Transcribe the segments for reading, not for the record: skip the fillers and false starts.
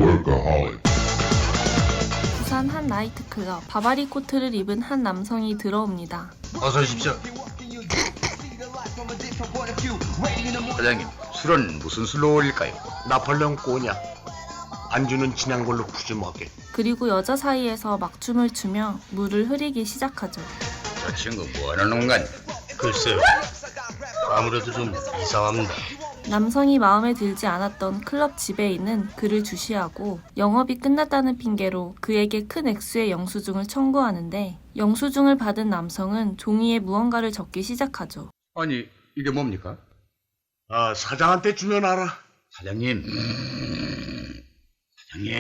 부산 한 나이트클럽, 바바리 코트를 입은 한 남성이 들어옵니다. 어서 오십시오. 사장님, 술은 무슨 술로 올릴까요? 나폴레옹 꼬냐. 안주는 진한 걸로 푸짐하게. 그리고 여자 사이에서 막춤을 추며 물을 흐리기 시작하죠. 저 친구 뭐하는 놈간? 글쎄요. 아무래도 좀 이상합니다. 남성이 마음에 들지 않았던 클럽 지배인은 그를 주시하고 영업이 끝났다는 핑계로 그에게 큰 액수의 영수증을 청구하는데 영수증을 받은 남성은 종이에 무언가를 적기 시작하죠. 아니, 이게 뭡니까? 아, 사장한테 주면 알아. 사장님. 사장님.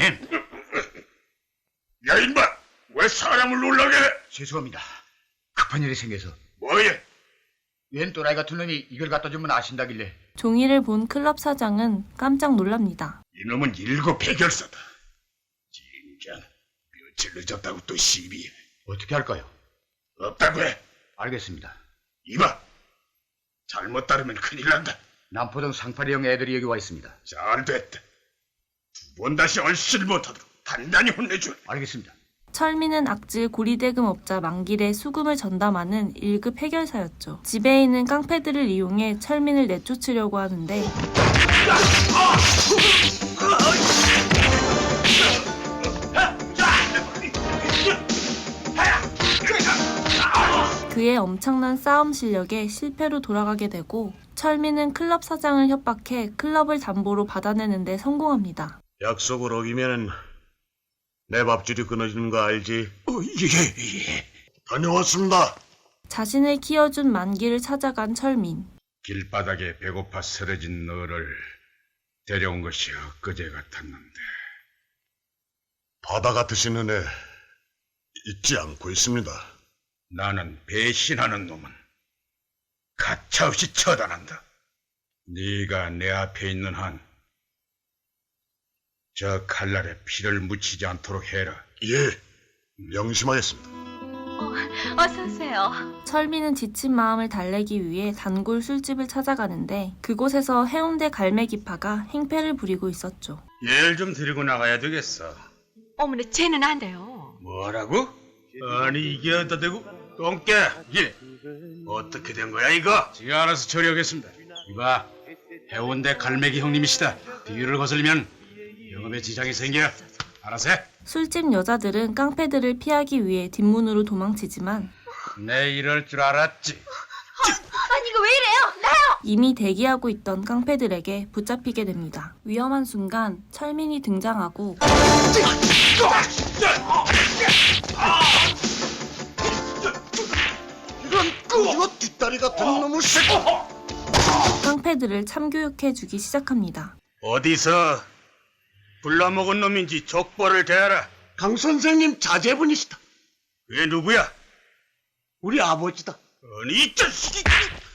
야, 인마! 왜 사람을 놀라게 해? 죄송합니다. 급한 일이 생겨서. 뭐해? 웬 또라이 같은 놈이 이걸 갖다 주면 아신다길래. 종이를 본 클럽 사장은 깜짝 놀랍니다. 이놈은 일곱 해결사다. 진짜 며칠 늦었다고 또 시비해. 어떻게 할까요? 없다고 해. 알겠습니다. 이봐, 잘못 따르면 큰일 난다. 남포동 상파리형 애들이 여기 와 있습니다. 잘 됐다. 두 번 다시 얼씨를 못하도록 단단히 혼내줘. 알겠습니다. 철민은 악질 고리대금업자 만길에 수금을 전담하는 1급 해결사였죠. 지배인은 깡패들을 이용해 철민을 내쫓으려고 하는데 그의 엄청난 싸움 실력에 실패로 돌아가게 되고 철민은 클럽 사장을 협박해 클럽을 담보로 받아내는 데 성공합니다. 약속을 어기면 내 밥줄이 끊어지는 거 알지? 예. 다녀왔습니다. 자신을 키워준 만기를 찾아간 철민. 길바닥에 배고파 쓰러진 너를 데려온 것이 엊그제 같았는데 바다 같으신 은혜 잊지 않고 있습니다. 나는 배신하는 놈은 가차없이 처단한다. 네가 내 앞에 있는 한 저 칼날에 피를 묻히지 않도록 해라. 예, 명심하겠습니다. 어서 오세요. 철민은 지친 마음을 달래기 위해 단골 술집을 찾아가는데 그곳에서 해운대 갈매기파가 행패를 부리고 있었죠. 얘를 좀 데리고 나가야 되겠어. 어머나, 쟤는 안 돼요. 뭐라고? 아니 이게 어디다 대고? 똥개! 예! 어떻게 된 거야 이거? 제가 알아서 처리하겠습니다. 이봐, 해운대 갈매기 형님이시다. 뒤를 거슬리면 영업에 지장이 생겨. 알아서 해. 술집 여자들은 깡패들을 피하기 위해 뒷문으로 도망치지만 내 이럴 줄 알았지. 아니, 이거 왜 이래요? 나요! 이미 대기하고 있던 깡패들에게 붙잡히게 됩니다. 위험한 순간 철민이 등장하고 이거 뒷다리 같은 놈의 새끼! 깡패들을 참교육해주기 시작합니다. 어디서 불러먹은 놈인지 족보를 대하라. 강 선생님 자제분이시다. 그게 누구야? 우리 아버지다. 아니 이 자식이!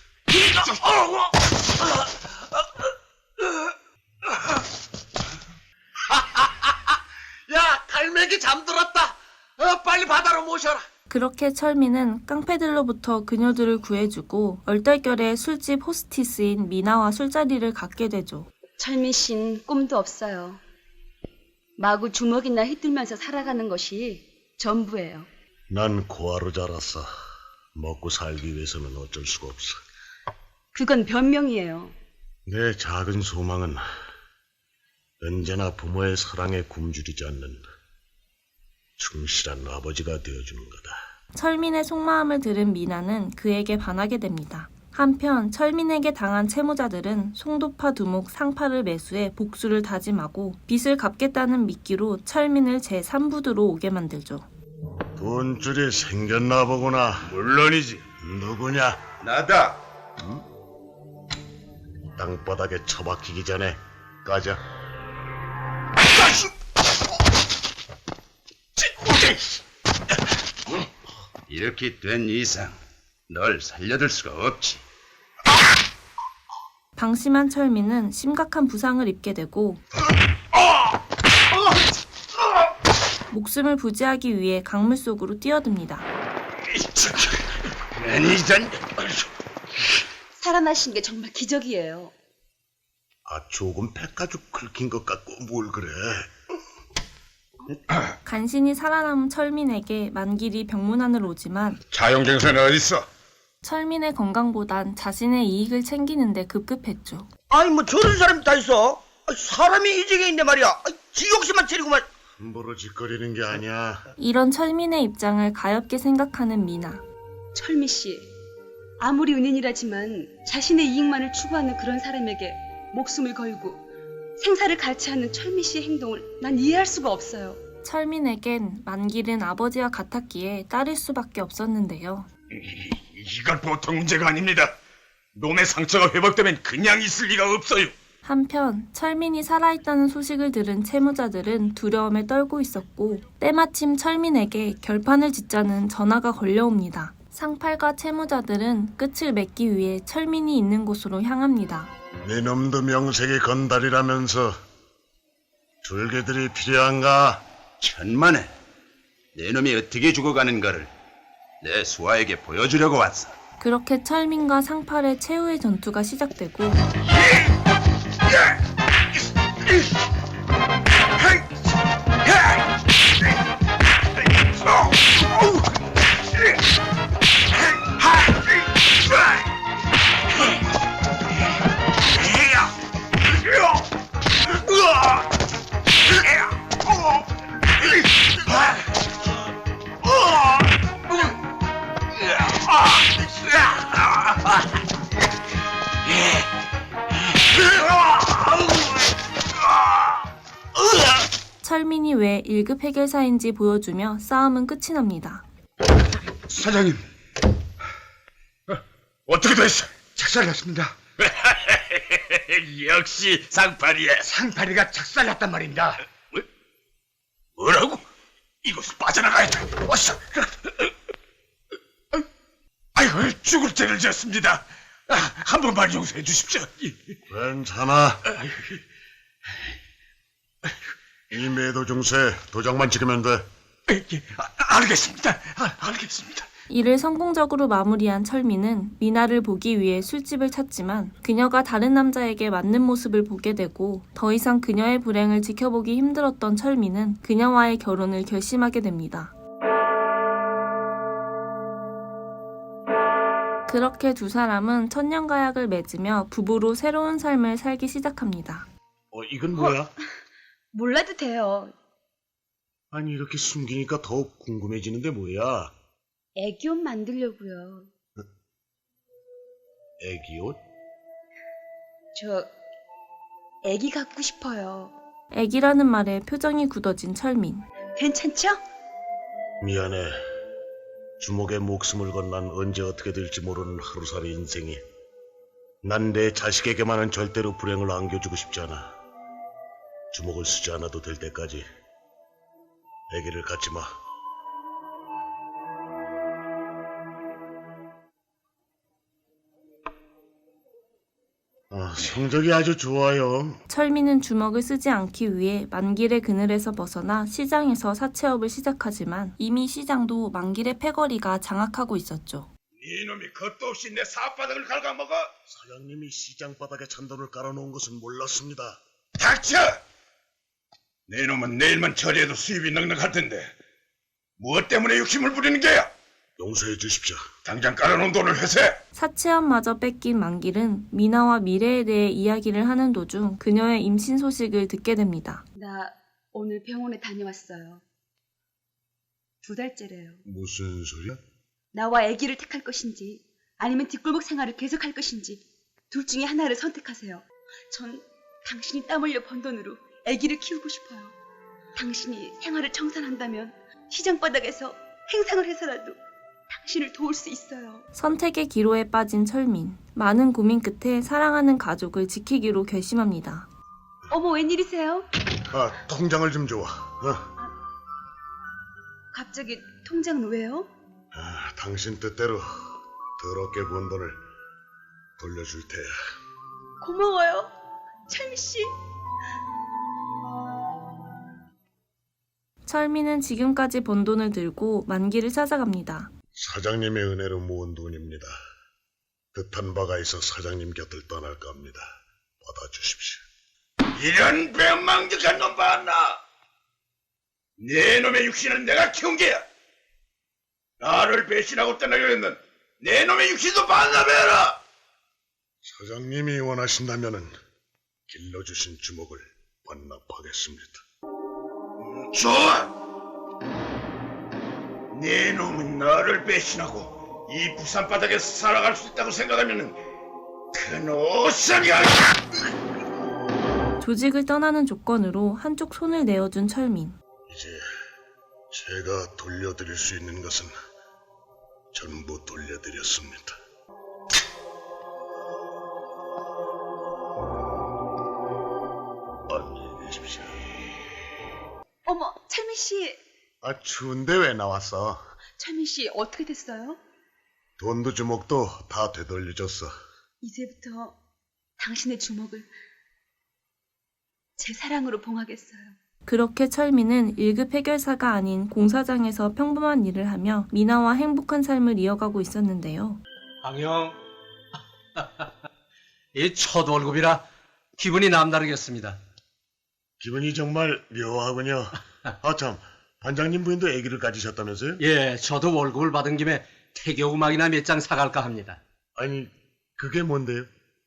야, 갈매기 잠들었다. 빨리 바다로 모셔라. 그렇게 철민은 깡패들로부터 그녀들을 구해주고 얼떨결에 술집 호스티스인 미나와 술자리를 갖게 되죠. 철민 씨는 꿈도 없어요. 마구 주먹이나 휘둘면서 살아가는 것이 전부예요. 난 고아로 자랐어. 먹고 살기 위해서는 어쩔 수가 없어. 그건 변명이에요. 내 작은 소망은 언제나 부모의 사랑에 굶주리지 않는 충실한 아버지가 되어주는 거다. 철민의 속마음을 들은 미나는 그에게 반하게 됩니다. 한편 철민에게 당한 채무자들은 송도파 두목 상파를 매수해 복수를 다짐하고 빚을 갚겠다는 미끼로 철민을 제3부두로 오게 만들죠. 돈줄이 생겼나 보구나. 물론이지. 누구냐? 나다. 땅바닥에 처박히기 전에 가자. 이렇게 된 이상 널 살려둘 수가 없지. 방심한 철민은 심각한 부상을 입게 되고 목숨을 부지하기 위해 강물 속으로 뛰어듭니다. 매니전. 살아나신 게 정말 기적이에요. 아, 조금 폐가죽 긁힌 것 같고 뭘 그래. 간신히 살아남은 철민에게 만길이 병문안을 오지만 자용경사는 어딨어? 철민의 건강보단 자신의 이익을 챙기는데 급급했죠. 아니 뭐 저런 사람이 다 있어. 사람이 이 지경인데 말이야. 지 욕심만 차리고만. 함부로 짓거리는 게 아니야. 이런 철민의 입장을 가엾게 생각하는 미나. 철미 씨, 아무리 은인이라지만 자신의 이익만을 추구하는 그런 사람에게 목숨을 걸고 생사를 같이 하는 철미 씨의 행동을 난 이해할 수가 없어요. 철민에겐 만길은 아버지와 같았기에 따를 수밖에 없었는데요. 이건 보통 문제가 아닙니다. 놈의 상처가 회복되면 그냥 있을 리가 없어요. 한편 철민이 살아있다는 소식을 들은 채무자들은 두려움에 떨고 있었고 때마침 철민에게 결판을 짓자는 전화가 걸려옵니다. 상팔과 채무자들은 끝을 맺기 위해 철민이 있는 곳으로 향합니다. 네 놈도 명색이 건달이라면서 줄개들이 필요한가? 천만에 내 놈이 어떻게 죽어가는가를 내 수하에게 보여주려고 왔어. 그렇게 철민과 상팔의 최후의 전투가 시작되고 철민이 왜 1급 해결사인지 보여주며 싸움은 끝이 납니다. 사장님, 어떻게 됐어? 작살났습니다. 역시 상팔이야. 상팔이가 작살났단 말입니다. 뭐라고? 이곳을 빠져나가야 돼. 어서. 아이고, 죽을 죄를 지었습니다. 한 번만 용서해 주십시오. 괜찮아. 이 매도 중세 도장만 찍으면 돼. 알겠습니다. 알겠습니다. 이를 성공적으로 마무리한 철민은 미나를 보기 위해 술집을 찾지만 그녀가 다른 남자에게 맞는 모습을 보게 되고 더 이상 그녀의 불행을 지켜보기 힘들었던 철민은 그녀와의 결혼을 결심하게 됩니다. 그렇게 두 사람은 천년가약을 맺으며 부부로 새로운 삶을 살기 시작합니다. 이건 뭐야? 몰라도 돼요. 아니, 이렇게 숨기니까 더욱 궁금해지는데 뭐야? 애기옷 만들려고요. 애기 옷? 저 애기 갖고 싶어요. 애기라는 말에 표정이 굳어진 철민. 괜찮죠? 미안해. 주먹에 목숨을 건 난 언제 어떻게 될지 모르는 하루살이 인생이. 난 내 자식에게만은 절대로 불행을 안겨주고 싶지 않아. 주먹을 쓰지 않아도 될 때까지 애기를 갖지 마. 성적이 아주 좋아요. 철민은 주먹을 쓰지 않기 위해 만길의 그늘에서 벗어나 시장에서 사채업을 시작하지만 이미 시장도 만길의 패거리가 장악하고 있었죠. 이놈이 겁도 없이 내 사바닥을 갉아먹어. 사장님이 시장 바닥에 잔돈을 깔아놓은 것은 몰랐습니다. 닥쳐! 내 놈은 내일만 처리해도 수입이 넉넉할 텐데 무엇 때문에 욕심을 부리는 게야? 용서해 주십시오. 당장 깔아놓은 돈을 회수해. 사채업마저 뺏긴 만길은 미나와 미래에 대해 이야기를 하는 도중 그녀의 임신 소식을 듣게 됩니다. 나 오늘 병원에 다녀왔어요. 2달째래요. 무슨 소리야? 나와 아기를 택할 것인지 아니면 뒷골목 생활을 계속할 것인지 둘 중에 하나를 선택하세요. 전 당신이 땀 흘려 번 돈으로 아기를 키우고 싶어요. 당신이 생활을 청산한다면 시장 바닥에서 행상을 해서라도 당신을 도울 수 있어요. 선택의 기로에 빠진 철민. 많은 고민 끝에 사랑하는 가족을 지키기로 결심합니다. 어머, 웬일이세요? 통장을 좀 줘. 갑자기 통장은 왜요? 당신 뜻대로 더럽게 번 돈을 돌려줄 테야. 고마워요, 철미씨. 철민은 지금까지 번 돈을 들고 만길을 찾아갑니다. 사장님의 은혜로 모은 돈입니다. 뜻한 바가 있어 사장님 곁을 떠날까 합니다. 받아주십시오. 이런 배망직한 놈 봤나? 내 놈의 육신은 내가 키운 게야. 나를 배신하고 떠나려 했는 내 놈의 육신도 반납해라. 사장님이 원하신다면은 길러주신 주먹을 반납하겠습니다. 좋아. 내 놈은 나를 배신하고 이 부산 바닥에서 살아갈 수 있다고 생각하면은 큰 오산이야. 조직을 떠나는 조건으로 한쪽 손을 내어준 철민. 이제 제가 돌려드릴 수 있는 것은 전부 돌려드렸습니다. 안녕히 계십시오. 어머, 철민 씨. 아, 추운데 왜 나왔어? 철민 씨 어떻게 됐어요? 돈도 주먹도 다 되돌려줬어. 이제부터 당신의 주먹을 제 사랑으로 봉하겠어요. 그렇게 철민은 1급 해결사가 아닌 공사장에서 평범한 일을 하며 미나와 행복한 삶을 이어가고 있었는데요. 강형, 이 첫 월급이라 기분이 남다르겠습니다. 기분이 정말 묘하군요. 참, 반장님 부인도 아기를 가지셨다면서요? 예, 저도 월급을 받은 김에 태교 음악이나 몇 장 사갈까 합니다. 아니, 그게 뭔데요?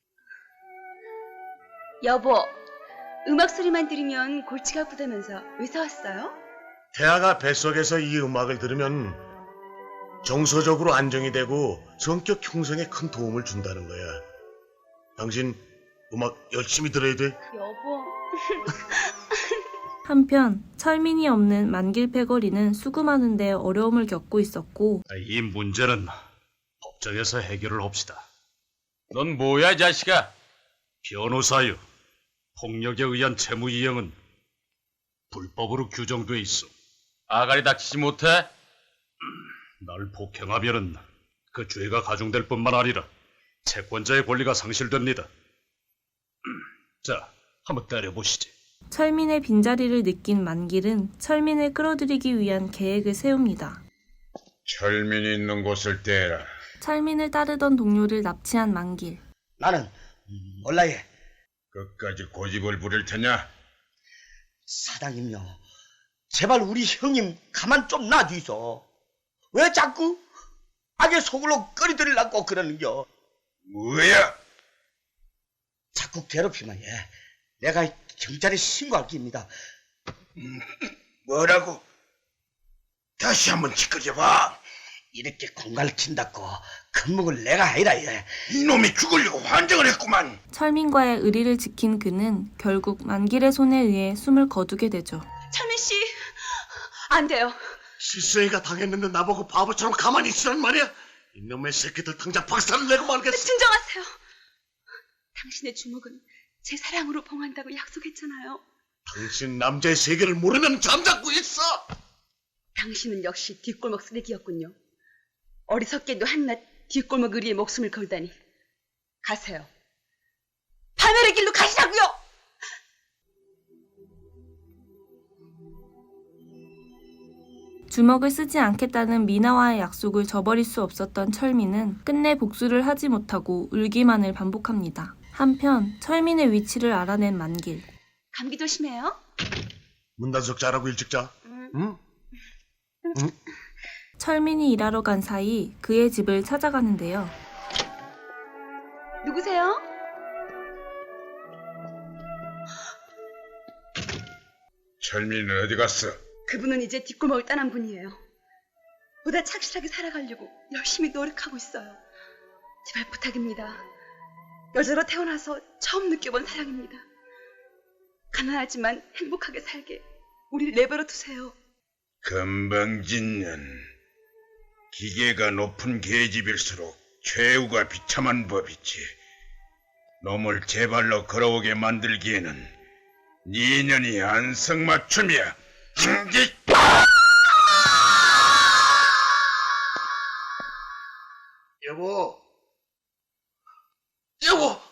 여보, 음악 소리만 들으면 골치가 아프다면서 왜 사왔어요? 태아가 뱃속에서 이 음악을 들으면 정서적으로 안정이 되고 성격 형성에 큰 도움을 준다는 거야. 당신 음악 열심히 들어야 돼. 여보. 한편 철민이 없는 만길 패거리는 수금하는 데 어려움을 겪고 있었고 이 문제는 법정에서 해결을 합시다. 넌 뭐야, 이 자식아? 변호사유. 폭력에 의한 채무이행은 불법으로 규정돼 있어. 아가리 닥치지 못해? 날 폭행하면은 그 죄가 가중될 뿐만 아니라 채권자의 권리가 상실됩니다. 자, 한번 때려보시지. 철민의 빈자리를 느낀 만길은 철민을 끌어들이기 위한 계획을 세웁니다. 철민이 있는 곳을 떼라. 철민을 따르던 동료를 납치한 만길. 나는 몰라예. 끝까지 고집을 부릴 테냐? 사장님요. 제발 우리 형님 가만 좀 놔주이소. 왜 자꾸 악의 속으로 끌어들이려고 그러는겨? 뭐야? 자꾸 괴롭히면 내가 경찰에 신고할 겁니다. 뭐라고? 다시 한번 짓거려봐. 이렇게 공갈을 친다고 겁먹을 내가 아니라 이놈이 죽으려고 환장을 했구만. 철민과의 의리를 지킨 그는 결국 만길의 손에 의해 숨을 거두게 되죠. 철민 씨, 안 돼요. 실세이가 당했는데 나보고 바보처럼 가만히 있으란 말이야? 이놈의 새끼들 당장 박살을 내고 말겠어. 진정하세요. 당신의 주먹은 제 사랑으로 봉한다고 약속했잖아요. 당신 남자의 세계를 모르면 잠자고 있어. 당신은 역시 뒷골목 쓰레기였군요. 어리석게도 한낱 뒷골목 의리에 목숨을 걸다니. 가세요. 하늘의 길로 가시라고요. 주먹을 쓰지 않겠다는 미나와의 약속을 저버릴 수 없었던 철민은 끝내 복수를 하지 못하고 울기만을 반복합니다. 한편 철민의 위치를 알아낸 만길. 감기 조심해요. 문단속 잘하고 일찍 자. 응? 철민이 일하러 간 사이 그의 집을 찾아가는데요. 누구세요? 철민은 어디 갔어? 그분은 이제 뒷골목을 떠난 분이에요. 보다 착실하게 살아가려고 열심히 노력하고 있어요. 제발 부탁입니다. 여자로 태어나서 처음 느껴본 사랑입니다. 가난하지만 행복하게 살게 우리를 내버려 두세요. 건방진년. 기계가 높은 계집일수록 최후가 비참한 법이지. 놈을 제 발로 걸어오게 만들기에는 니년이 안성맞춤이야. 여보. 여보.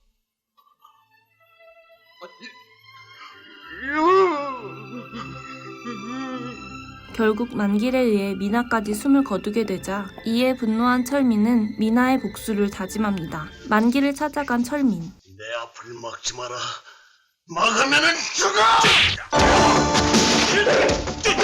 결국 만길에 의해 미나까지 숨을 거두게 되자 이에 분노한 철민은 미나의 복수를 다짐합니다. 만길을 찾아간 철민. 내 앞을 막지 마라. 막으면은 죽어!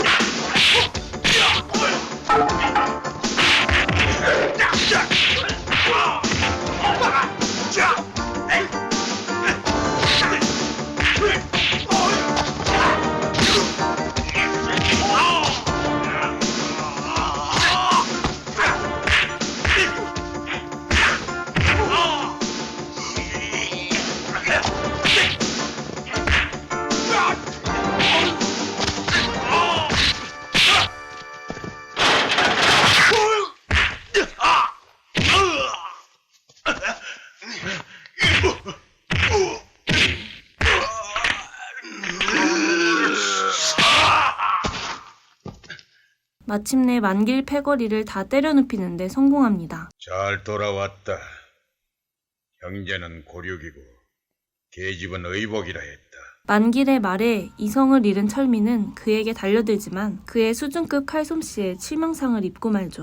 마침내 만길 패거리를 다 때려 눕히는 데 성공합니다. 잘 돌아왔다. 형제는 고륙이고 계집은 의복이라 했다. 만길의 말에 이성을 잃은 철민은 그에게 달려들지만 그의 수준급 칼솜씨에 치명상을 입고 말죠.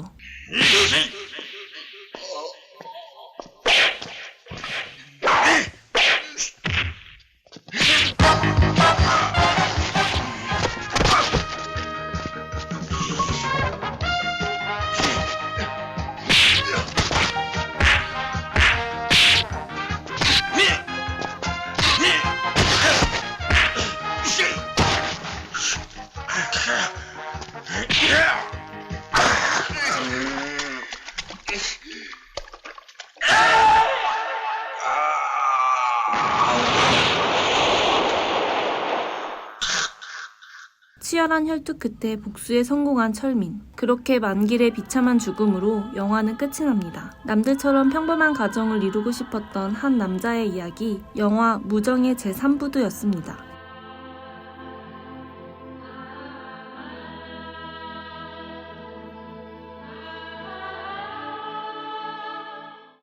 치열한 혈투 끝에 복수에 성공한 철민. 그렇게 만길의 비참한 죽음으로 영화는 끝이 납니다. 남들처럼 평범한 가정을 이루고 싶었던 한 남자의 이야기, 영화 무정의 제3부도였습니다.